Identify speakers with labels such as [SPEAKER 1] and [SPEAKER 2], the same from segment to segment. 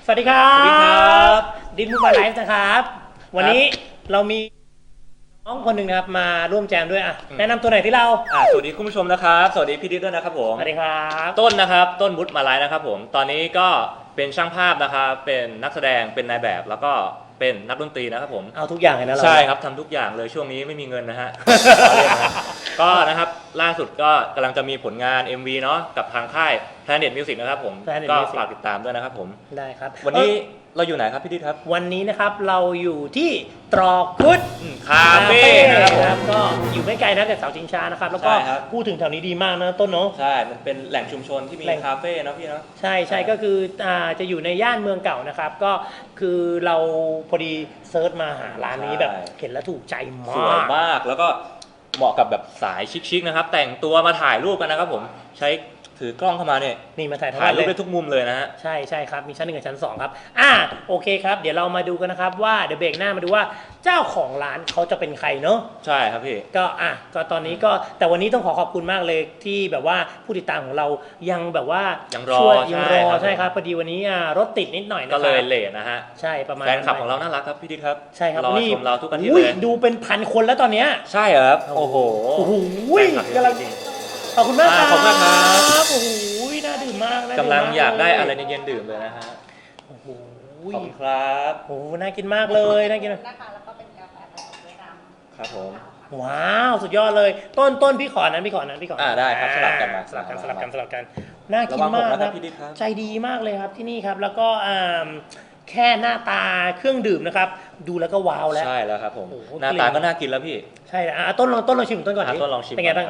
[SPEAKER 1] วัสดีครับ
[SPEAKER 2] สวัสดีครับ
[SPEAKER 1] ดินมูมาไลฟ์นะครับวันนี้เรามีน้องคนหนึ่งนะครับมาร่วมแจมด้วยแนะนำตัวหน่อยที่เรา
[SPEAKER 2] สวัสดีคุณผู้ชมนะครับสวัสดีพี่ดิ๊ดด้วยนะครับผม
[SPEAKER 1] สวัสดีครับ
[SPEAKER 2] ต้นนะครับต้นวุฒิมาไลฟ์นะครับผมตอนนี้ก็เป็นช่างภาพนะครับเป็นนักแสดงเป็นนายแบบแล้วก็เป็นนักดนตรีนะครับผม
[SPEAKER 1] เอาทุกอย่างเลยนะเรา
[SPEAKER 2] ใช่ครับทำทุกอย่างเลยช่วงนี้ไม่มีเงินนะฮะ ก็นะครับล่าสุดก็กำลังจะมีผลงาน MV เนาะกับทางค่าย Planet Music นะครับผมก็ฝากติดตามด้วยนะครับผม
[SPEAKER 1] ได้ครับ
[SPEAKER 2] วันนี้เราอยู่ไหนครับพี่ดิ๊ดครับ
[SPEAKER 1] วันนี้นะครับเราอยู่ที่ตรอกพุทธ
[SPEAKER 2] คาเฟ่
[SPEAKER 1] นะครับก็อยู่ไม่ไกลนะจากเสาชิงช้านะครับแล้วก็พูดถึงแถวนี้ดีมากนะต้นเนาะ
[SPEAKER 2] ใช่มันเป็นแหล่งชุมชนที่มีคาเฟ่เนาะพี่เนาะ
[SPEAKER 1] ใช่ก็คือจะอยู่ในย่านเมืองเก่านะครับก็คือเราพอดีเซิร์ชมาหาร้านนี้แบบเห็นแล้วถูกใจมาก
[SPEAKER 2] สวยมากแล้วก็เหมาะกับแบบสายชิคๆนะครับแต่งตัวมาถ่ายรูปกันนะครับผมใช้ถือกล้องเข้ามาเนี่ย
[SPEAKER 1] นี่มาถ่าย
[SPEAKER 2] รูปได้ทุกมุมเลยนะฮะ
[SPEAKER 1] ใช่ครับมีชั้น1กับชั้น2ครับโอเคครับเดี๋ยวเรามาดูกันนะครับว่าเดี๋ยวเบรกหน้ามาดูว่าเจ้าของร้านเขาจะเป็นใครเนาะ
[SPEAKER 2] ใช่ครับพี่
[SPEAKER 1] ก็ตอนนี้ก็แต่วันนี้ต้องขอบคุณมากเลยที่แบบว่าผู้ติดตามของเรายังแบบว่า
[SPEAKER 2] ยัง
[SPEAKER 1] รอใช่ครับพอดีวันนี้รถติดนิดหน่อยนะครับ
[SPEAKER 2] ก็เลยเลทนะฮะ
[SPEAKER 1] ใช่ประมาณ
[SPEAKER 2] แฟนคลับของเราน่ารักครับพี่ดิ๊ดครับ
[SPEAKER 1] ใช่ครับ
[SPEAKER 2] รอชมเราทุกอาทิตย์เลย
[SPEAKER 1] ดูเป็นพันคนแล้วตอนนี้
[SPEAKER 2] ใช่ครับโอ้โห
[SPEAKER 1] กำลังขอบคุณมากครับ
[SPEAKER 2] ขอบคุณครับ
[SPEAKER 1] โอ้โหน่าดื่มมาก
[SPEAKER 2] กำลังอยากได้อะไรเย็นๆดื่มเลยนะฮะ
[SPEAKER 1] โอ้โห
[SPEAKER 2] ขอบคุณครับ
[SPEAKER 1] โอ้น่ากินมากเลยน่ากิน
[SPEAKER 3] นะคะแล้วก็เป็นกาแฟผสมด้วยน้ำ
[SPEAKER 2] ครับผม
[SPEAKER 1] ว้าวสุดยอดเลยต้นพี่ขอนั้น
[SPEAKER 2] ได้ครับสลับกัน
[SPEAKER 1] น่ากินมากครับใจดีมากเลยครับที่นี่ครับแล้วก็แค่หน้าตาเครื่องดื่มนะครับดูแล้วก็ว้าวแล้ว
[SPEAKER 2] ใช่แล้วครับผมหน้าตาก็น่ากินแล้วพี่
[SPEAKER 1] ใช่ต้นลองชิมต้นก่อน
[SPEAKER 2] ต้นลองชิม
[SPEAKER 1] เป็นไงบ้าง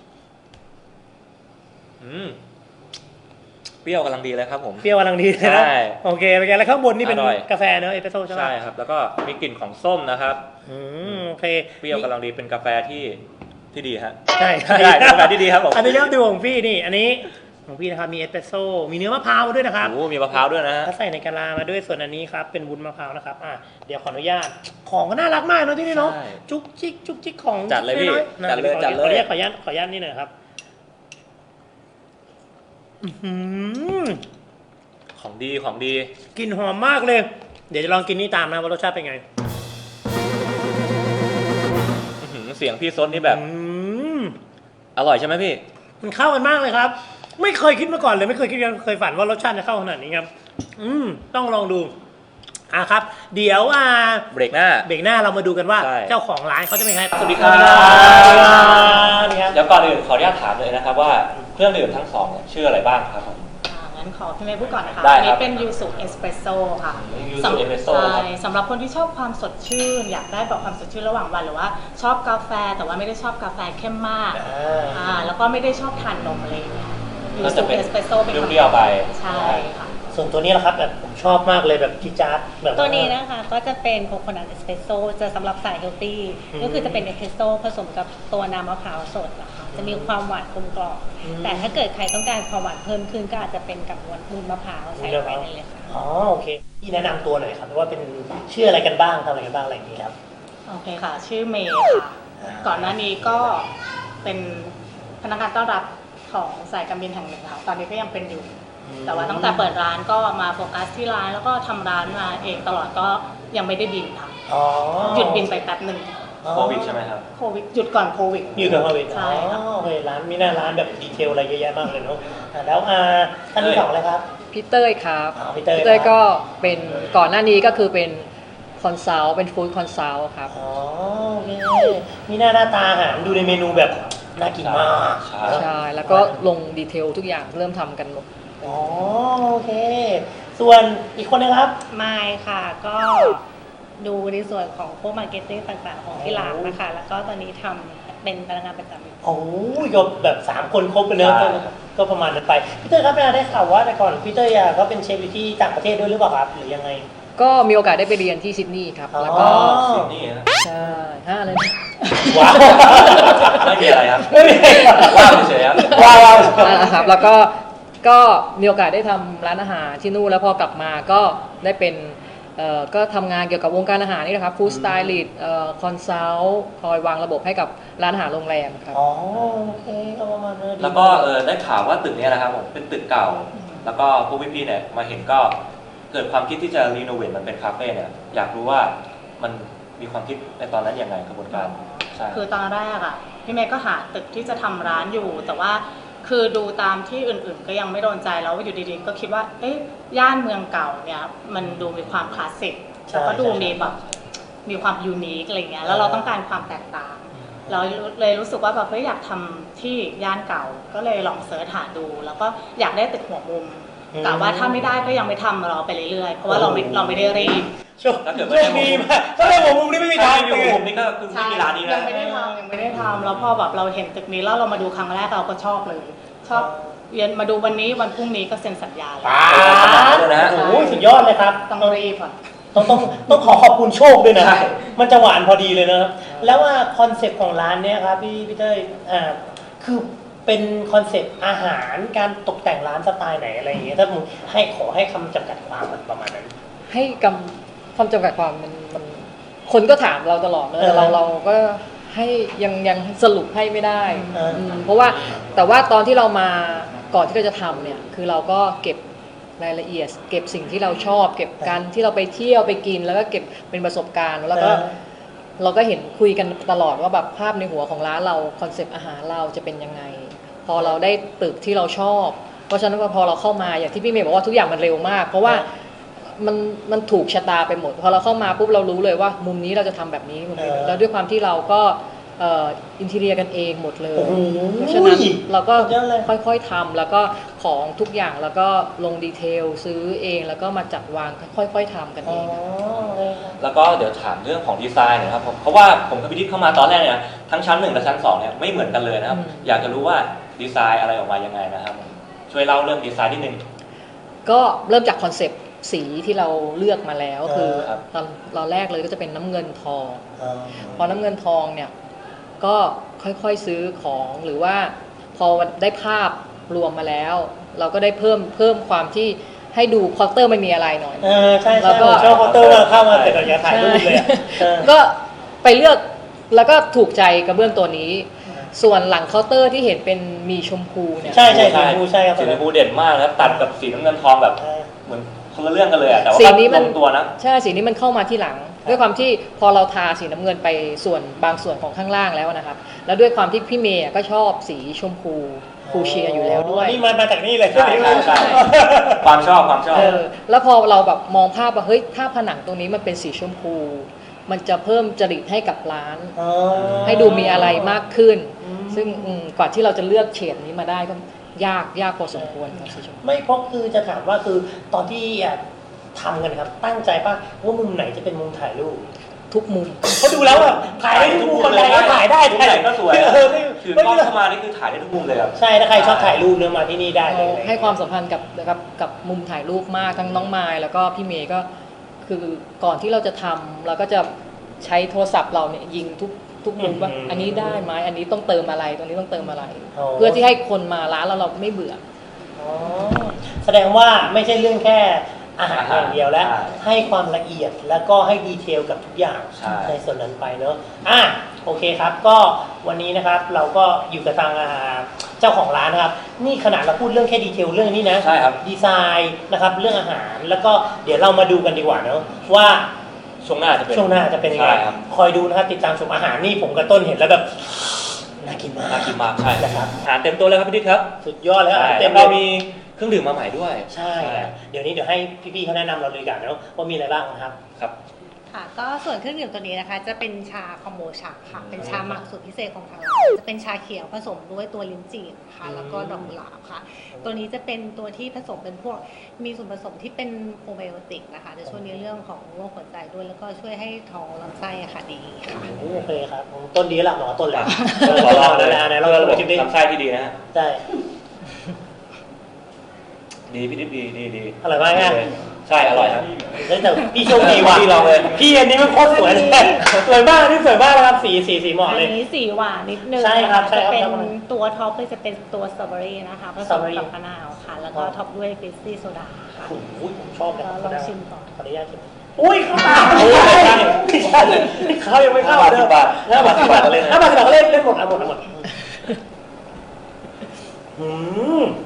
[SPEAKER 2] เปรี้ยวกำลังดีเลยครับผม
[SPEAKER 1] เปรี้ยวกำลังดีเลยนะโอเคเป็นไงแล้วข้างบนนี่เป็นกาแฟเนอะเอสเปรสโซ่ใช่ไหม
[SPEAKER 2] ใช่ครับแล้วก็มีกลิ่นของส้มนะครับ
[SPEAKER 1] โอเค
[SPEAKER 2] เปรี้ยวกำลังดีเป็นกาแฟที่ดีฮะ
[SPEAKER 1] ใช่
[SPEAKER 2] กาแฟที่ดีครับผม
[SPEAKER 1] อันนี้ยอดดูของพี่นี่อันนี้ของพี่นะครับมีเอสเปรสโซ่มีเนื้อมะพร้าวด้วยนะครับ
[SPEAKER 2] มีมะพร้าวด้วยนะ
[SPEAKER 1] ถ้าใส่ในกะลามาด้วยส่วนอันนี้ครับเป็นวุ้นมะพร้าวนะครับเดี๋ยวขออนุญาตของก็น่ารักมากเนาะที่นี่เนาะจุ๊กจิ๊กของ
[SPEAKER 2] จัดเลยพี่จัดเลย
[SPEAKER 1] ขออนุญาตนี่หน่อยครับ
[SPEAKER 2] ของดี
[SPEAKER 1] กลิ่นหอมมากเลยเดี๋ยวจะลองกินนี่ตามนะว่ารสชาติเป็นไง
[SPEAKER 2] เสียงพี่ซดนี่แบบอร่อยใช่ไหมพี่
[SPEAKER 1] มันเข้ากันมากเลยครับไม่เคยคิดมาก่อนเลยไม่เคยฝันว่ารสชาติจะเข้าขนาดนี้ครับต้องลองดูครับเดี๋ยว
[SPEAKER 2] เบรกหน้า
[SPEAKER 1] เรามาดูกันว่าเจ้าของร้านเขาจะเป็นใคร
[SPEAKER 2] สวัสดีครับเดี๋ยวก่อนอื่นขออนุญาตถามเลยนะครับว่าเครื่องดื่มทั้งสองชื่ออะไรบ้างครับ
[SPEAKER 3] งั้นขอพี่เมย์พูดก่อนนะคะอันนี้เป็นยูสุเอสเปรสโซ่ค่ะสำหรับคนที่ชอบความสดชื่นอยากได้แบบความสดชื่นระหว่างวันหรือว่าชอบกาแฟแต่ว่าไม่ได้ชอบกาแฟเข้มมากแล้วก็ไม่ได้ชอบทานนมอะไรอย่างเงี้ยยูสุเอสเปรสโซ่เป็น
[SPEAKER 2] เปรี้ยวไป
[SPEAKER 3] ใช่ค่ะ
[SPEAKER 1] ส่วนตัวนี้แหละครับแบบผมชอบมากเลยแบบจี๊ดจ๊าดแบบ
[SPEAKER 3] ตัวนี้นะคะก็จะเป็นโคโคนัทเอสเปรสโซ่จะสำหรับสายเฮลตี้ก็คือจะเป็นเอสเปรสโซ่ผสมกับตัวน้ำมะพร้าวสดนะคะจะมีความหวานกลมกล่อมแต่ถ้าเกิดใครต้องการความหวานเพิ่มขึ้นก็อาจจะเป็นกับวุ้นมะพร้าวใส่ไปในเลยค่ะ
[SPEAKER 1] โอเคพี่แนะนำตัวหน่อยครับว่าเป็นชื่ออะไรกันบ้างทำอะไรกันบ้างอะไรอย่างนี้ครับ
[SPEAKER 3] โอเคค่ะชื่อเมย์ค่ะก่อนหน้านี้ก็เป็นพนักงานต้อนรับของสายการบินแห่งหนึ่งค่ะตอนนี้ก็ยังเป็นอยู่แต่ว่าตั้งแต่เปิดร้านก็มาโฟกัสที่ร้านแล้วก็ทำร้านมาเองตลอดก็ยังไม่ได้บินค่ะหยุดบินไปแป๊บหนึ่ง
[SPEAKER 2] โควิดใช่ไหมครับ
[SPEAKER 3] โควิดหยุดก่อนโควิด
[SPEAKER 1] ใช่ครับโอเคร้านมีหน้าร้านแบบดีเทลอะไรเยอะแยะมากเลยเนาะแล้วท่านที่สองเลยครับ
[SPEAKER 4] พี่เต้ยครับ
[SPEAKER 1] พี่
[SPEAKER 4] เต้ยก็เป็นก่อนหน้านี้ก็คือเป็นคอนซัลท์เป็นฟู้ดคอนซัลท์ครับ
[SPEAKER 1] โอเคมีหน้าตาอาหารดูในเมนูแบบน่ากินมาก
[SPEAKER 4] ใช่แล้วก็ลงดีเทลทุกอย่างเริ่มทำกันหมด
[SPEAKER 1] โอเคส่วนอีกคนนะครับ
[SPEAKER 3] ไมค์ค่ะก็ดูในส่วนของพวกมาร์เก็ตติ้งต่างๆของที่ร้านนะคะแล้วก็ตอนนี้ทำเป็นพนักงานประจำ
[SPEAKER 1] ก็แบบ3คนครบไปเลยก็ประมาณนั้นไปพี่เต้ยครับได้ข่าวว่าแต่ก่อนพี่เต้ยก็เป็นเชฟอยู่ที่ต่างประเทศด้วยหรือเปล่าครับหรือยังไง
[SPEAKER 4] ก็มีโอกาสได้ไปเรียนที่ซิดนีย์ครับแล้วก็
[SPEAKER 2] ซิดนีย์
[SPEAKER 4] ใช่อะไร
[SPEAKER 1] ว้าว
[SPEAKER 2] ไม่มีอะไรครับว้าวเฉยครับ
[SPEAKER 1] ว้าว
[SPEAKER 4] ครับแล้วก็มีโอกาสได้ทำร้านอาหารที่นู่นแล้วพอกลับมาก็ได้เป็นก็ทำงานเกี่ยวกับวงการอาหารนี่นะครับฟู้ดสไตลิสต์คอนซัลท์คอยวางระบบให้กับร้านอาหารโรงแรมครับ
[SPEAKER 1] โอเคก็ประมาณนั้น
[SPEAKER 2] แล้วก็ได้ข่าวว่าตึกนี้นะครับผมเป็นตึกเก่าแล้วก็พวกพี่ๆเนี่ยมาเห็นก็เกิดความคิดที่จะรีโนเวทมันเป็นคาเฟ่เนี่ยอยากรู้ว่ามันมีความคิดในตอนนั้นยังไงกระบวนการใช่
[SPEAKER 3] คือตอนแรกอ่ะพี่เมย์ก็หาตึกที่จะทำร้านอยู่ แต่ว่าคือดูตามที่อื่นๆก็ยังไม่โดนใจแล้วอยู่ดีๆก็คิดว่าเอ๊ะย่านเมืองเก่าเนี่ยมันดูมีความคลาสสิกแล้วก็ดูมีแบบมีความยูนิคอะไรเงี้ยแล้วเราต้องการความแตกต่างเราเลยรู้สึกว่าแบบเฮ้ยอยากทำที่ย่านเก่าก็เลยลองเสิร์ชหาดู แล้วก็อยากได้ตึกหัวมุมกะว่าถ้าไม่ได้ก็ยังไม่ทำรอไปเรื่อยๆเพราะว่าเราไม่ได้รีบ
[SPEAKER 1] โชคดีมากถ้าในหัวมุมนี่ไม่มีทาง
[SPEAKER 2] อยู่มุมนี้ก็คือไม่มีร้านนี้
[SPEAKER 3] ยังไม่ได้ทำแล้วพอแบบเราเห็นตึกนี้แล้วเรามาดูครั้งแรกเราก็ชอบเลยชอบเรียนมาดูวันนี้วันพรุ่งนี้ก็เซ็นสัญญาเลย
[SPEAKER 1] โอ้โหสุดยอดเลยครับ
[SPEAKER 3] ต้องรีบค่ะ
[SPEAKER 1] ต้องขอบคุณโชคด้วยนะมันจะหวานพอดีเลยนะแล้วว่าคอนเซ็ปต์ของร้านเนี้ยครับพี่เต้ยคือเป็นคอนเซ็ปต์อาหารการตกแต่งร้านสไตล์ไหนอะไรอย่างเงี้ยถ้ามึงขอให้คำจำกัดความมันประมาณนั้น
[SPEAKER 4] ให้คำจำกัดความมันคนก็ถามเราตลอดเลยแต่เราก็ให้ยังสรุปให้ไม่ได้เพราะว่าแต่ว่าตอนที่เรามาก่อนที่เราจะทำเนี่ยคือเราก็เก็บรายละเอียดเก็บสิ่งที่เราชอบเก็บการที่เราไปเที่ยวไปกินแล้วก็เก็บเป็นประสบการณ์แล้วก็เราก็เห็นคุยกันตลอดว่าแบบภาพในหัวของร้านเราคอนเซปต์อาหารเราจะเป็นยังไงพอเราได้ตึกที่เราชอบเพราะฉะนั้นพอเราเข้ามาอย่างที่พี่เมย์บอกว่าทุกอย่างมันเร็วมากเพราะว่ามันถูกชะตาไปหมดพอเราเข้ามาปุ๊บเรารู้เลยว่ามุมนี้เราจะทำแบบนี้มุมนี้แล้วด้วยความที่เราก็อินทีเรียกันเองหมดเลยเพราะฉะนั้นเราก็ค่อยๆทำแล้วก็ของทุกอย่างแล้วก็ลงดีเทลซื้อเองแล้วก็มาจัดวางค่อยๆทำกันเอง
[SPEAKER 2] แล้วก็เดี๋ยวถามเรื่องของดีไซน์นะครับเพราะว่าผมกับพี่ทิพย์เข้ามาตอนแรกเนี่ยทั้งชั้น1และชั้น2เนี่ยไม่เหมือนกันเลยนะครับอยากจะรู้ว่าดีไซน์อะไรออกมายังไงนะครับช่วยเล่าเรื่องดีไซน์นิดนึง
[SPEAKER 4] ก็เริ่มจากคอนเซปต์สีที่เราเลือกมาแล้วคือตอนแรกเลยก็จะเป็นน้ำเงินทองพอน้ำเงินทองเนี่ยก็ค่อยๆซื้อของหรือว่าพอได้ภาพรวมมาแล้วเราก็ได้เพิ่มความที่ให้ดูควอเตอร์ไม่มีอะไรหน่อย
[SPEAKER 1] ใช่แล้วก็ชอบควอเตอร์เข้ามาเสร็จเราจะถ่ายรูปเลย
[SPEAKER 4] ก็ไปเลือกแล้วก็ถูกใจกระเบื้องตัวนี้ส่วนหลังเคาน์เตอร์ที่เห็นเป็นมีชมพูเนี่ย
[SPEAKER 1] ใช่สีชมพูใช่ครับ
[SPEAKER 2] สีชมพูเด่นมากครับตัดกับสีน้ำเงินทองแบบเหมือนคนละเรื่องกันเลยแต่ว่า
[SPEAKER 4] สีนี้มัน
[SPEAKER 2] ตัวนะ
[SPEAKER 4] ใช่สีนี้มันเข้ามาที่หลังด้วยความที่พอเราทาสีน้ำเงินไปส่วนบางส่วนของข้างล่างแล้วนะครับแล้วด้วยความที่พี่เมย์ก็ชอบสีชมพูฟูเชียอยู่แล้วด้วย
[SPEAKER 1] นี่มาจากนี่เลย
[SPEAKER 2] ใช่ความชอบ
[SPEAKER 4] แล้วพอเราแบบมองภาพว่าเฮ้ยถ้าผนังตรงนี้มันเป็นสีชมพูมันจะเพิ่มจริตให้กับร้านให้ดูมีอะไรมากขึ้นซึ่งกว่าที่เราจะเลือกเฉดนี้มาได้ก็ยากพอสมควรครับสีชมพู
[SPEAKER 1] ไม่เพราะคือจะถามว่าคือตอนที่ทำกันครับตั้งใจป่ะว่ามุมไหนจะเป็นมุมถ่ายรูป
[SPEAKER 4] ทุกมุม
[SPEAKER 1] เขาดูแล้วแบบถ่ายได้ทุกมุมเลยถ่ายได้
[SPEAKER 2] ทุกไหนก็สวยคือกล้องเข้ามานี่คือถ่ายได้ทุกมุมเลยครับ
[SPEAKER 1] ใช่ถ้าใครชอบถ่ายรูปเนี่ยมาที่นี่ได้เลย
[SPEAKER 4] ให้ความสัมพันธ์กับมุมถ่ายรูปมากทั้งน้องไมล์แล้วก็พี่เมย์ก็คือก่อนที่เราจะทำเราก็จะใช้โทรศัพท์เราเนี่ยยิงทุกมุมว่าอันนี้ได้ไหมอันนี้ต้องเติมอะไรตรงนี้ต้องเติมอะไรเพื่อที่ให้คนมาร้านแล้วเราไม่เบื่อ
[SPEAKER 1] แสดงว่าไม่ใช่เรื่องแค่อาหารอย่างเดียวแล้วให้ความละเอียดแล้วก็ให้ดีเทลกับทุกอย่างในส่วนนั้นไปเนอะโอเคครับก็วันนี้นะครับเราก็อยู่กับทางเจ้าของร้านนะครับนี่ขนาดเราพูดเรื่องแค่ดีเทลเรื่องนี้นะ
[SPEAKER 2] ใช่ครับ
[SPEAKER 1] ดีไซน์นะครับเรื่องอาหารแล้วก็เดี๋ยวเรามาดูกันดีกว่าเนอะว่า
[SPEAKER 2] ช่วงหน้าจะ
[SPEAKER 1] เป็นยังไงคอยดูนะครับติดตามชมอาหารนี่ผมกับต้นเห็นแล้วแบบน่ากินมาก
[SPEAKER 2] ใช่ครับอาหารเต็มตัวเลยครับพี่ดิ๊กครับ
[SPEAKER 1] สุดยอดเลยครับ
[SPEAKER 2] เต็มเรามีเครื่องดื่มมาใหม่ด้วย
[SPEAKER 1] ใช่เดี๋ยวให้พี่ๆเขาแนะนำเราเลยกันนะว่ามีอะไรบ้างนะครับ
[SPEAKER 3] ค่ะก็ส่วนเครื่องดื่มตัวนี้นะคะจะเป็นชาคอมโบชาค่ะเป็นชาหมักสูตรพิเศษของทางร้านจะเป็นชาเขียวผสมด้วยตัวลิ้นจี่ค่ะแล้วก็ดอกกุหลาบค่ะตัวนี้จะเป็นตัวที่ผสมเป็นพวกมีส่วนผสมที่เป็นโปรไบโอติกนะคะจะช่วยในเรื่องของโรคหัวใจด้วยแล้วก็ช่วยให้ท้องลำไส้ค่ะดีค่ะ
[SPEAKER 1] โอเคครับต้นดีละหมอต้นแหละ
[SPEAKER 2] ขอลองเลยนะเราระบบลำไส้ที่ดีนะฮะ
[SPEAKER 1] ใช่
[SPEAKER 2] ดีพี่ดิ๊กดี
[SPEAKER 1] อร่อยมากนะ
[SPEAKER 2] ใช่อร่อยครับ
[SPEAKER 1] แต่พี่โชคดีว่ะ
[SPEAKER 2] พี่ลองเลย
[SPEAKER 1] พี่อันนี้มันโคตรสวยเลยสวยมากนี่สวยมากนะครับสีเหมาะเลย
[SPEAKER 3] อันนี้สีหวานนิดนึง
[SPEAKER 1] ใช่ครับ
[SPEAKER 3] จะเป็นตัวท็อปเลยจะเป็นตัวสตรอเบอรี่นะคะผสมกับมะนาวค่ะแล้วก็ท็อปด้วยฟิสซี่โซดาค่ะ
[SPEAKER 1] โอ้ยผมชอบเลย
[SPEAKER 3] ลองชิมก่อน
[SPEAKER 1] ขออนุญาตชิมอุ้ยเข้าตาเขายังไม่เข้า
[SPEAKER 2] เด้อ5 บาท
[SPEAKER 1] เลย 5 บาท10 บาทเล่นหมด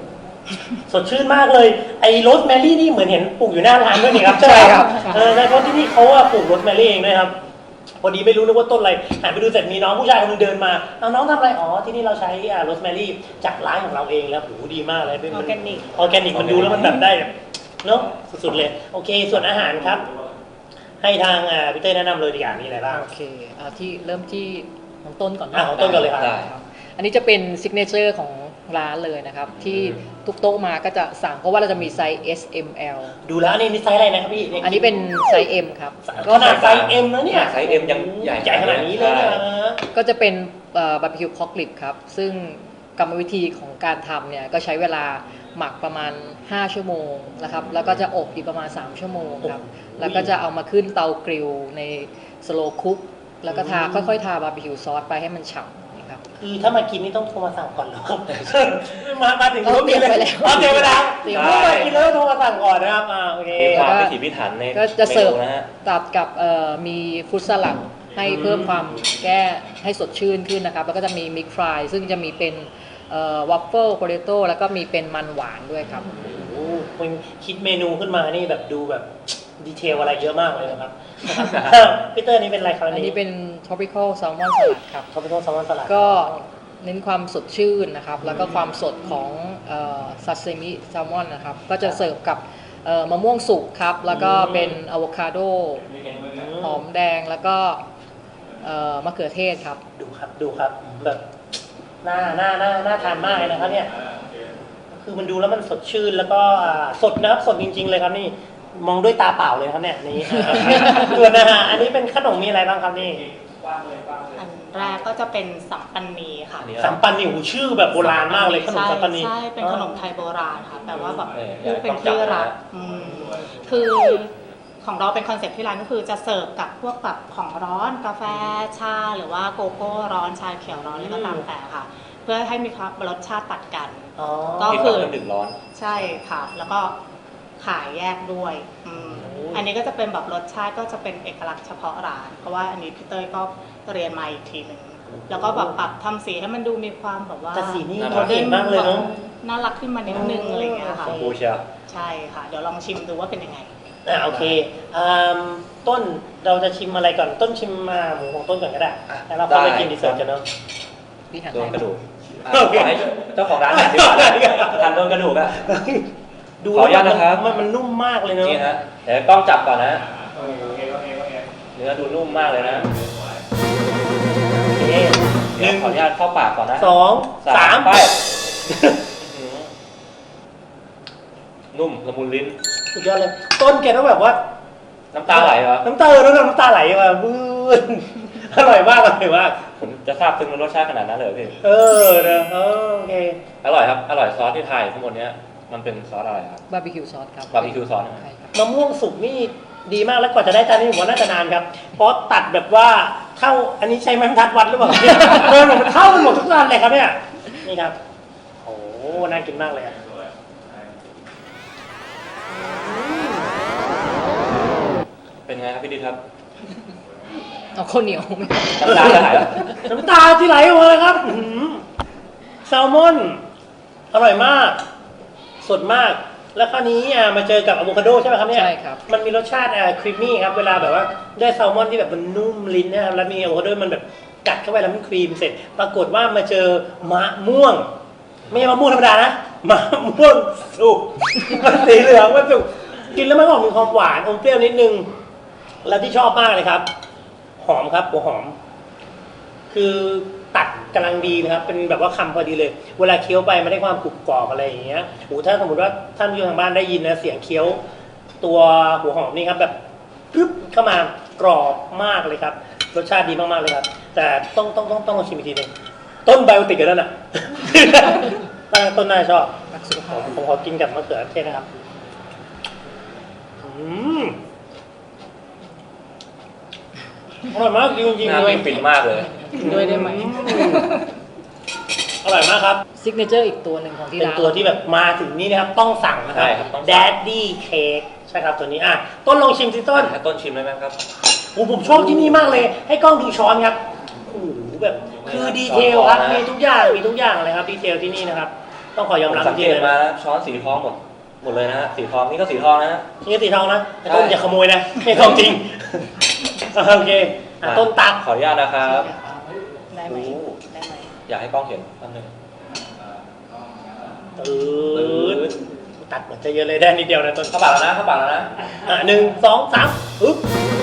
[SPEAKER 1] สดชื่นมากเลยไอ้โรสแมรี่นี่เหมือนเห็นปลูกอยู่หน้าร้านด้วยนี่ครับ
[SPEAKER 4] ใช่ครับ
[SPEAKER 1] ใช่เพราะที่นี่เขาอะปลูกโรสแมรี่เองด้วยครับพอดีไม่รู้นึกว่าต้นอะไรหันไปดูเสร็จมีน้องผู้ชายคนนึงเดินมาเอาน้องทำอะไรอ๋อที่นี่เราใช้โรสแมรี่จากร้านของเราเองแล้วโหดีมากเลยเป็น
[SPEAKER 3] ออร์แกนิก
[SPEAKER 1] ออร์แกนิกมันดูแล้วมันแบบได้แบบเนาะสุดๆเลยโอเคส่วนอาหารครับ ให้ทางพี่เต้ยแนะนำเลยดีกว่ามีอะไรบ้าง
[SPEAKER 4] โอเคที่เริ่มที่ของต้นก่อน
[SPEAKER 1] ของต้นก่อนเลยครับ
[SPEAKER 2] ได้
[SPEAKER 4] อันนี้จะเป็นซิกเนเจอร์ของร้านเลยนะครับ ที่ทุกโต๊ะมาก็จะสั่งเพราะว่าเราจะมีไซส์ S M L
[SPEAKER 1] ดูแล้วอันนี้ไซส์อะไรนะครับพี่
[SPEAKER 4] อันนี้เป็นไซส์ M ครับ
[SPEAKER 1] ขนาดไซส์ M แล้วเนี่ย
[SPEAKER 2] ไซส์ M ยังใหญ่
[SPEAKER 1] ใหญ่ขนาดนี้เลยนะ
[SPEAKER 4] ก็จะเป็นบาร์บีคิวพอกลิบครับ ซึ่งกรรมวิธีของการทำเนี่ยก็ใช้เวลาหมักประมาณ 5 ชั่วโมงนะครับ แล้วก็จะอบอีกประมาณ 3 ชั่วโมงครับ แล้วก็จะเอามาขึ้นเตากริลในสโลว์คุกแล้วก็ค่อยๆทาบาร์บีคิวซอสไปให้มันฉ่ำนะครับ
[SPEAKER 1] คือถ้ามากินนี่ต้องโทรมาสั่งก่อนเหรอครับ มาถึง
[SPEAKER 4] เอาเตรียมไปแล้ว
[SPEAKER 1] เอาเตรียมไปแล้ว
[SPEAKER 4] เตรียม
[SPEAKER 1] เมื่อมากินแล้วโทรมาสั่งก่อนนะครับโอเค
[SPEAKER 2] มีความพิถีพิถันใน
[SPEAKER 4] ก็จะเสิร์ฟ
[SPEAKER 2] มนูนะฮะ
[SPEAKER 4] ตัดกับมีฟรุตสลัดให้เพิ่มความแก้ให้สดชื่นขึ้นนะครับ แล้วก็จะมีมิกฟรายซึ่งจะมีเป็นวัฟเฟิลโปเตโต้แล้วก็มีเป็นมันหวานด้วยครับ
[SPEAKER 1] โอ้คุณคิดเมนูขึ้นมานี่แบบดูแบบดีเทลอะไรเยอะมากเลยนะครับพี่เตอร์นี่เป็นอะไรครับ
[SPEAKER 4] อันนี้เป็น tropical salmon salad ครับ
[SPEAKER 1] เขาเป็นโทษแซลมอนสลัด
[SPEAKER 4] ก็เน้นความสดชื่นนะครับ แล้วก็ความสดของซาซิมิแซลมอนนะครับ ก็จะเสิร์ฟกับมะม่วงสุกครับ แล้วก็เป็นอะโวคาโดหอมแดงแล้วก็มะเขือเทศครับ
[SPEAKER 1] ดูครับแบบน่าทานมากเลยนะครับเนี่ยคือมันดูแล้วมันสดชื่นแล้วก็สดนะครับสดจริง ๆ เลยครับนี่มองด้วยตาเปล่าเลยครับเนี่ยนี่ ส่วนนะฮะอันนี้เป็นขนมมีอะไรบ้างครับนี่
[SPEAKER 3] อันแรกก็จะเป็นสัมปันนีค่ะ
[SPEAKER 2] อันนี้
[SPEAKER 1] สัมปันนี่หูชื่อแบบโบราณมากเลยขนมสัมปันนี่
[SPEAKER 3] ใช่เป็นขนมไทยโบราณค่ะแต่ว่าแบบ
[SPEAKER 2] เออ
[SPEAKER 3] เป็นที่รัก
[SPEAKER 2] ต้องจับนะ
[SPEAKER 3] คือของเราเป็นคอนเซ็ปต์ที่ร้านก็คือจะเสิร์ฟกับพวกแบบของร้อนกาแฟชาหรือว่าโกโก้ร้อนชาเขียวร้อนอะไรก็ตามแต่ค่ะ เพื่อให้มีความรสชาติตัดกัน
[SPEAKER 1] อ๋อ
[SPEAKER 3] ก็
[SPEAKER 2] กิน
[SPEAKER 3] คื
[SPEAKER 2] กับ
[SPEAKER 3] อ
[SPEAKER 2] เครื่องดื่มร้อน
[SPEAKER 3] ใช่ค่ะ แล้วก็ขายแยกด้วยอันนี้ก็จะเป็นแบบรสชาติก็จะเป็นเอกลักษณ์เฉพาะร้าน เพราะว่าอันนี้พี่เต้ยก็เรียนมาอีกทีหนึ่งแล้วก็แบบปรับทำสีให้มันดูมีความแบบว่า
[SPEAKER 1] แต่สีนี่
[SPEAKER 2] น่า
[SPEAKER 1] โดดเด่นมากเลยเนาะ
[SPEAKER 3] น่ารักขึ้นมานิดนึงอะไรอย่างเงี้ยค่ะ
[SPEAKER 2] ชมพูเชียว
[SPEAKER 3] ใช่ค่ะ เดี๋ยวลองชิมดูว่าเป็นยังไง
[SPEAKER 1] โอเคต้นเราจะชิมอะไรก่อนต้นชิมหมูของต้นก่อนก็ได้แล้วเราค่อยไปกินดีเซอร์กันเนาะ
[SPEAKER 4] พี่หัน
[SPEAKER 2] โดนกระดูก
[SPEAKER 1] โอเค
[SPEAKER 2] ขอให้เจ้าของร้านหน่อยดีกว่าทานโดนกระดูกอะ
[SPEAKER 1] ดู
[SPEAKER 2] ขออนุญาตนะครับ
[SPEAKER 1] มันนุ่มมากเลยเนาะ
[SPEAKER 2] นี่ฮะเดี๋ยวกล้องจับก่อนนะเนื้อดูนุ่มมากเลยนะ
[SPEAKER 1] โอเค
[SPEAKER 2] เดี๋ยวขออนุญาตเข้าปากก่อนนะ
[SPEAKER 1] 2 3
[SPEAKER 2] ไปอื้อหือนุ่มละมุนลิ้น
[SPEAKER 1] สุดยอดเลยต้นแกต้องแบบว่า
[SPEAKER 2] น้ำตาไหลเหรอ
[SPEAKER 1] น้ำตาน้ำตาไหลมาบื้นอร่อยมากอร่อยมาก
[SPEAKER 2] ผมจะทราบซึ้งในรสชาติขนาดนั้นเลยเหรอพี่
[SPEAKER 1] นะโอเค
[SPEAKER 2] อร่อยครับ อร่อยซอสที่ไทยข้างบนเนี้ยมันเป็นซอสอะไรครับ
[SPEAKER 4] บาร์บีคิวซอสครับ
[SPEAKER 2] บาร์บีคิวซอส
[SPEAKER 4] ใช่ครับ
[SPEAKER 1] มะม่วงสุกนี่ดีมากแล้วกว่าจะได้จานนี้ผมว่าน่าจะนานครับ เพราะตัดแบบว่าเท่าอันนี้ใช้ไม้บรรทัดวัดหรือเปล่ามันเท่ากันหมดทุกจานเลยครับเนี่ยนี่ครับโอ้น่ากินมากเลยอะ
[SPEAKER 2] เป็นไงครับพี่ดิษครับ
[SPEAKER 4] เอาข้าวเหนียวไหม
[SPEAKER 2] น้ำตาไหลเหรอ
[SPEAKER 1] น้ำตาที่ไหลออกมาเลยครับอื้อหือแซลมอนอร่อยมาก สดมาก แล้วคราวนี้มาเจอกับอะโวคาโดใช่ไหมครับเนี่ย
[SPEAKER 4] ใช่ครับ
[SPEAKER 1] มันมีรสชาติครีมมี่ครับเวลาแบบว่าได้แซลมอนที่แบบมันนุ่มลิ้นนะครับแล้วมีอะโวคาโดมันแบบกัดเข้าไปแล้วมันครีมเสร็จ ปรากฏว่ามาเจอมะม่วง ไม่ใช่มะม่วงธรรมดานะมะม่วงสุกมันสีเหลืองมันสุกกินแล้วมันก็มีความหวานอมเปรี้ยวนิดนึงแล้วที่ชอบมากเลยครับ หอมครับหัวหอม คือตัดกำลังดีนะครับ เป็นแบบว่าคำพอดีเลย เวลาเคี้ยวไปมันได้ความกรุบกรอบอะไรอย่างเงี้ยโอ้ถ้าสมมติว่าท่านผู้ชมทางบ้านได้ยินนะเสียงเคี้ยวตัวหัวหอมนี่ครับแบบปึ๊บเข้ามากรอบมากเลยครับ รสชาติดีมากๆเลยครับ แต่ต้องลองชิมอีกทีหนึงต้นไบโอติกกันนั่นน่ะ ต้นน่าชอบ
[SPEAKER 4] รักสุขภาพ
[SPEAKER 1] ผมขอกินกับมะเขือเทศนะครับอร่อยมากจริง
[SPEAKER 2] น่า
[SPEAKER 1] ๆเลย
[SPEAKER 2] กินฟินมากเลย
[SPEAKER 4] กินด้วยได้ไหม
[SPEAKER 1] อร่อยมากครับ
[SPEAKER 4] ซิกเนเจอร์อีกตัวหนึ่งของที่
[SPEAKER 1] เป็น
[SPEAKER 4] ร้าน
[SPEAKER 1] ตัวที่แบบมาถึงนี่นะครับต้องสั่งนะครับ
[SPEAKER 2] ใช่ครับต้องสั่ง
[SPEAKER 1] Daddy Cake ใช่ครับตัวนี้ต้นลองชิมสิต้น
[SPEAKER 2] ให้ต้นชิมได้ไหมครับ
[SPEAKER 1] ผมชอบที่นี่มากเลย ให้กล้องดูช้อนครับโอ้โหแบบคือดีเทลครับ
[SPEAKER 2] ช้อนนะ
[SPEAKER 1] มีทุกอย่างเลยครับดีเทลที่นี่นะครับต้องขอยอม
[SPEAKER 2] ผม
[SPEAKER 1] รับ
[SPEAKER 2] สัง
[SPEAKER 1] จริ
[SPEAKER 2] เก
[SPEAKER 1] งๆ
[SPEAKER 2] ต
[SPEAKER 1] เลย
[SPEAKER 2] มา
[SPEAKER 1] นะ
[SPEAKER 2] นะช้อนสีทองหมดเลยนะฮะสีทองนี่ก็สีทองนะฮะ
[SPEAKER 1] นี่สีทองนะแต่ต้น
[SPEAKER 2] ใช่
[SPEAKER 1] อย่าขโมยนะไม่ทองจริงโอเคต้นตัก
[SPEAKER 2] ขออนุญาตนะครับ
[SPEAKER 3] ได้ไหม
[SPEAKER 2] โอ้
[SPEAKER 3] ได้ไหม
[SPEAKER 2] อยากให้กล้องเห็นแป๊บนึง
[SPEAKER 1] ตัดเหมือนจะเยอะเลยได้นิดเดียวนะต้น
[SPEAKER 2] เข้าปากแล้วนะเข้าปากแล้วนะ
[SPEAKER 1] 1 2 3อึ๊บ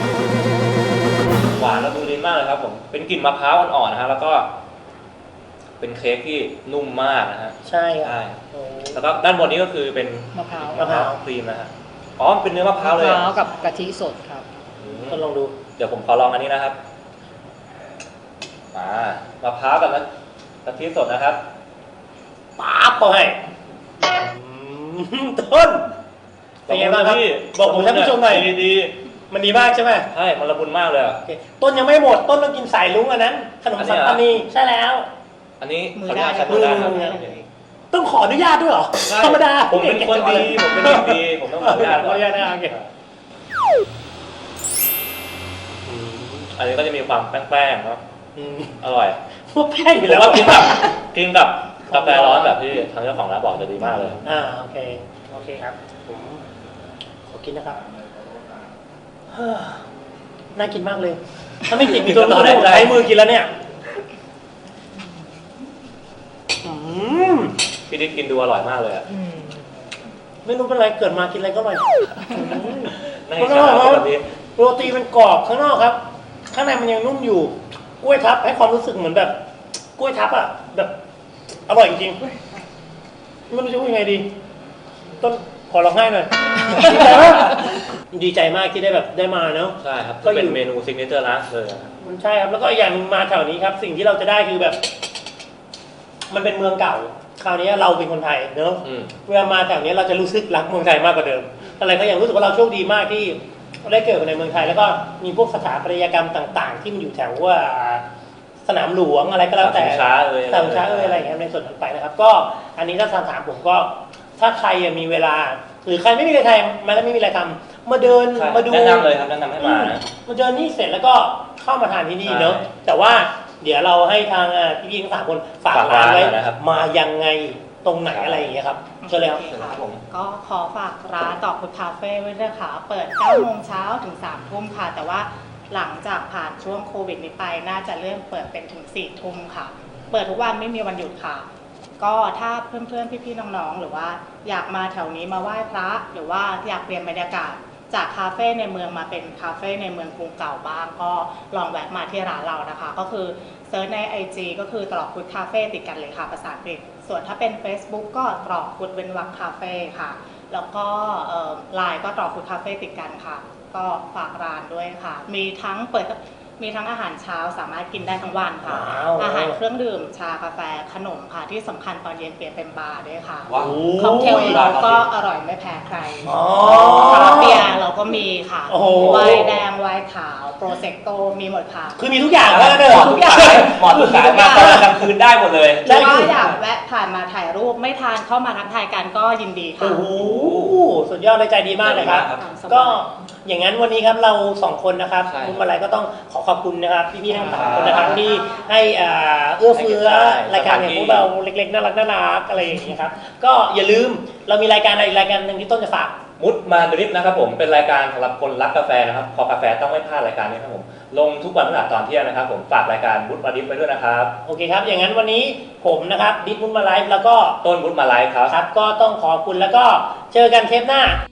[SPEAKER 2] หวานและดูลิ้นมากเลยครับผมเป็นกลิ่นมะพร้าวอ่อนๆนะฮะแล้วก็ เป็นเค้กที่นุ่มมากนะฮะ
[SPEAKER 1] ใช่ครั
[SPEAKER 2] ใช่
[SPEAKER 1] บโอ้
[SPEAKER 2] แล้วก็ด้านบนนี้ก็คือเป็น
[SPEAKER 4] มะพร้าว
[SPEAKER 1] มะพร้าว
[SPEAKER 2] ครีมนะฮะอ๋อเป็นเนื้อมะพร้าวเลย
[SPEAKER 4] มะ
[SPEAKER 2] อะ
[SPEAKER 4] พร้าวกับกะทิสดครับ
[SPEAKER 2] อืม
[SPEAKER 1] ต้นลองดู
[SPEAKER 2] เดี๋ยวผมขอลองอันนี้นะครับมะพร้าวกับกะทิสดนะครับ
[SPEAKER 1] ป๊าบเข้าให้ต้นเป็นไงบ้างครับบอกผมท่านผู้ชมหน่อย
[SPEAKER 2] ดี
[SPEAKER 1] มันดีมากใช่ไหม
[SPEAKER 2] ใช่มันละมุนมากเลยอะ
[SPEAKER 1] โอเคต้นยังไม่หมดต้นต้องกินสายลุงอันนั้น ขนมสังตานีใช่แล้ว
[SPEAKER 2] อันนี้
[SPEAKER 3] มือ
[SPEAKER 2] ขออนุ
[SPEAKER 3] ได้
[SPEAKER 2] ญาตใช้
[SPEAKER 1] มื
[SPEAKER 2] มื
[SPEAKER 1] อ
[SPEAKER 2] อได้ครับ
[SPEAKER 1] ต้องขออนุญาตด้วยเหรอ
[SPEAKER 2] ใช่
[SPEAKER 1] ธรรมดา
[SPEAKER 2] ผมเป็นคนดีผมเป็นเด็กดีผมต้องขออนุญาต
[SPEAKER 1] ขออนุญาตนะโอเค
[SPEAKER 2] อันนี้ก็จะมีความแป้งๆเนาะอร่อย
[SPEAKER 1] พวกแป้งอยู่
[SPEAKER 2] แล้
[SPEAKER 1] แล้ว ว
[SPEAKER 2] ก็กินกับกาแฟร้อนแบบที่ทางเจ้าของร้านบอกจะดีมากเลย
[SPEAKER 1] โอเคโอเคครับผมขอกินนะครับน่ากินมากเลย ถ้าไม่ติดมีตัว
[SPEAKER 2] ต่
[SPEAKER 1] ต่
[SPEAKER 2] อ
[SPEAKER 1] อ
[SPEAKER 2] ได้
[SPEAKER 1] ได้ผมใช้มือกินแล้วเนี่ยอืม
[SPEAKER 2] พี่ดิ๊กกินดูอร่อยมากเลยอะ
[SPEAKER 1] ไม่รู้เป็นไรเกิดมากินอะไรก็อร่อย
[SPEAKER 2] น่าอิจฉาครับแบบนี้
[SPEAKER 1] โรตีมันกรอบข้างนอกครับ ข้างในมันยังนุ่มอยู่ กล้วยทับให้ความรู้สึกเหมือนแบบ กล้วยทับอ่ะแบบอร่อยจริงๆไม่รู้จะพูดยังไงดี ต้นขอร้องไห้หน่อย ดีใจมากที่ได้แบบได้มาเนาะ
[SPEAKER 2] ใช่ครับ
[SPEAKER 1] ก็
[SPEAKER 2] ก็
[SPEAKER 1] อยู่
[SPEAKER 2] เป็นเมนูซิกเนเจอร์ร้านเลยอะ
[SPEAKER 1] มันใช่ครับ แล้วก็อีกอย่างหนึ่งมาแถวนี้ครับ สิ่งที่เราจะได้คือแบบ มันเป็นเมืองเก่า คราวนี้เราเป็นคนไทยเนอะ
[SPEAKER 2] อืม
[SPEAKER 1] เวลามาแถวนี้เราจะรู้สึกรักเมืองไทยมากกว่าเดิม อะไรก็อย่างรู้สึกว่าเราโชคดีมากที่ได้เกิดในเมืองไทย แล้วก็มีพวกสถาปัตยกรรมต่าง ๆ ที่มันอยู่แถวว่าสนามหลวงอะไรก็แล้วแต่
[SPEAKER 2] สนามช้าเอ่ย
[SPEAKER 1] สนามช้าอะไรอย่างเงี้ยในส่วนนั้นไปนะครับ ก็อันนี้ถ้าถามผมก็ ถ้าใครมีเวลา หรือใครไม่มีอะไรทำมาแล้วไม่มีอะไรทำมาเดิน
[SPEAKER 2] ใช่
[SPEAKER 1] มาดู
[SPEAKER 2] แนะนำเลยครับแนะนำให้มานะ
[SPEAKER 1] มาเดินนี่เสร็จแล้วก็เข้ามาทานที่นี่เนอะ
[SPEAKER 2] ใช่
[SPEAKER 1] แต่ว่าเดี๋ยวเราให้ทางพี่ๆทั้งสามคนฝาก
[SPEAKER 2] ฝาก
[SPEAKER 1] ร้านไว้
[SPEAKER 2] ร้านนะครับ
[SPEAKER 1] มายังไงตรงไหนอะไรอย่างเงี้ยครับเชิญเลยครับ
[SPEAKER 3] โอเคค่ะก็ขอฝากร้านดอกพุธคาเฟ่ไว้ด้วยค่ะ เปิด 9 โมงเช้าถึง 3 ทุ่มค่ะ แต่ว่าหลังจากผ่านช่วงโควิดนี้ไป น่าจะเริ่มเปิดเป็นถึง 4 ทุ่มค่ะ เปิดทุกวันไม่มีวันหยุดค่ะ ก็ถ้าเพื่อนๆ พี่ๆ น้องๆ หรือว่าอยากมาแถวนี้มาไหว้พระ หรือว่าอยากเปลี่ยนบรรยากาศจากคาเฟ่ในเมืองมาเป็นคาเฟ่ในเมืองกรุงเก่าบ้าง ก็ลองแวะมาที่ร้านเรานะคะ ก็คือเซิร์ชใน IG ก็คือตรอกพุธคาเฟ่ติดกันเลยค่ะภาษาอังกฤษ ส่วนถ้าเป็น Facebook ก็ตรอกพุธเว้นวรรคคาเฟ่ค่ะ แล้วก็ไลน์ก็ตรอกพุธคาเฟ่ติดกันค่ะ ก็ฝากร้านด้วยค่ะ มีทั้งอาหารเช้าสามารถกินได้ทั้งวันค่ะ
[SPEAKER 1] ว้าว
[SPEAKER 3] อาหารเครื่องดื่มชากาแฟขนมค่ะ ที่สำคัญตอนเย็นเปลี่ยนเป็นบาร์ด้วยค่ะ
[SPEAKER 2] ว้าว
[SPEAKER 3] ค็อกเทล
[SPEAKER 1] โอ้ย
[SPEAKER 3] เราก็อร่อยไม่แพ้ใคร
[SPEAKER 1] อ๋อ
[SPEAKER 3] คาราเบียร์เราก็มีค่ะ
[SPEAKER 1] โอ้โห
[SPEAKER 3] ไวน์แดงไวน์ขาวโปรเซกโตมีหมดค่ะ
[SPEAKER 1] คือมีทุกอย่าง
[SPEAKER 2] เห
[SPEAKER 1] แล้วเนอะ
[SPEAKER 2] มาะทุกสายเหมาะทุกสายมาตอนกลางคืนได้หมดเลย
[SPEAKER 3] หรือว่าอยากแวะผ่านมาถ่ายรูปไม่ทานเข้ามาทักทายกันก็ยินดีค่ะ
[SPEAKER 1] โอ้โหสุดยอดเลยใจดีมากเลยครับ
[SPEAKER 2] ใจดีมากครับ
[SPEAKER 1] ก็อย่างนั้นวันนี้ครับเราสองคนนะครับ
[SPEAKER 2] ใช่
[SPEAKER 1] คุณมาลัยก็ต้องขอขอบคุณนะครับพี่ๆทั้งสามคนนะครับที่ให้เอื้อเฟื้อ
[SPEAKER 2] ใช่
[SPEAKER 1] รายการอย่างพวกเราเล็กๆน่ารักอะไรอย่างนี้ยครับก็อย่าลืมเรามีรายการอะไรอีกรายการหนึ่งที่ต้นจะฝาก
[SPEAKER 2] มุดมาดริฟนะครับผมเป็นรายการสำหรับคนรักกาแฟนะครับคอกาแฟต้องไม่พลาดรายการนี้ครับผมลงทุกวันพฤหัสตอนเที่ยงนะครับผมฝากรายการมุดมาดริฟไปด้วยนะครับ
[SPEAKER 1] โอเคครับอย่างนั้นวันนี้ผมนะครับดิสมุนมาไลฟ์แล้วก็
[SPEAKER 2] ต้นมุดมาไลฟ์ครับ
[SPEAKER 1] ครับก็ต้องขอบคุณแล้วก็เจอกันเทปหน้า